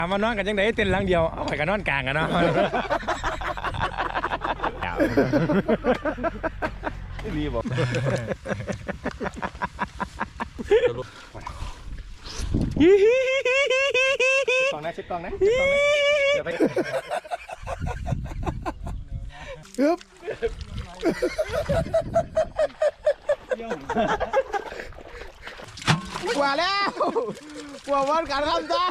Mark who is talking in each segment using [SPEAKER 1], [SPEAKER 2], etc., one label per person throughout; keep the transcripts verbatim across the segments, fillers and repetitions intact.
[SPEAKER 1] มานอนกันยังไงเต้นหลังเดียวเอาไปกันนอนกลางกันเนาะรีบบอกกล้องนะชิดกล้องนะชิดกล้องนะเดี๋ยวไปฮึบกว่าแล้วกว่าวันการทำจ้า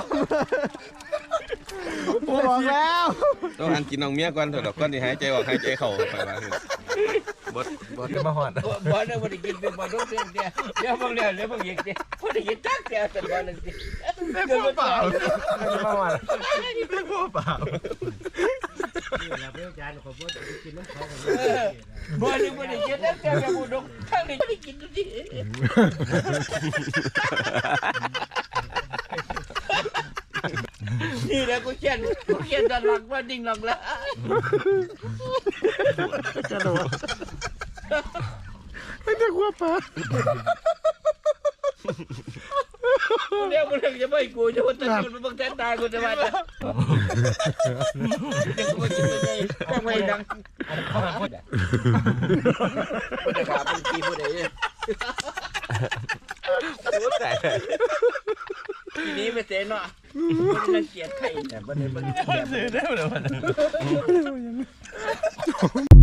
[SPEAKER 1] บอกแล้ว
[SPEAKER 2] ต้องหันกินน้องเมียก่อนเถอะดอกก้อนที่หายใจออกหายใจเข้าไปว่าบดบด
[SPEAKER 1] จะมาหอด
[SPEAKER 3] บอลเนี่ยบอลกินเป็นบอลต้องเสียเดียวเดี๋ยวบางเรื่องเดี๋ยวบางอย่างเดียวบอลกินจักเดียวแต่บอลนึงสิ
[SPEAKER 1] ไม่พอเปล่าจะมาหอดไม่พอเปล่า
[SPEAKER 3] บอลนี่บอลกินจักเดียวแต่บอลต้องทั้งนี้ไม่กินดูดินี่แหละกูเขียนกูเขียนตลกว่าดิ่งหลังละ
[SPEAKER 1] กระโดดไม่ได้ขั้วปลา
[SPEAKER 3] เดี๋ยวมึงจะไม่กูจะว่าตะกุนมึงแทนตายกูจะมาจะจะไม่ดังพูดแต่ขาเป็นกีพูดอะไรพูดแต่ทีนี้ไม่เจ๊เนาะมันเกลียดใครแต่บันนี้บันนี้เสียได้หมดเลย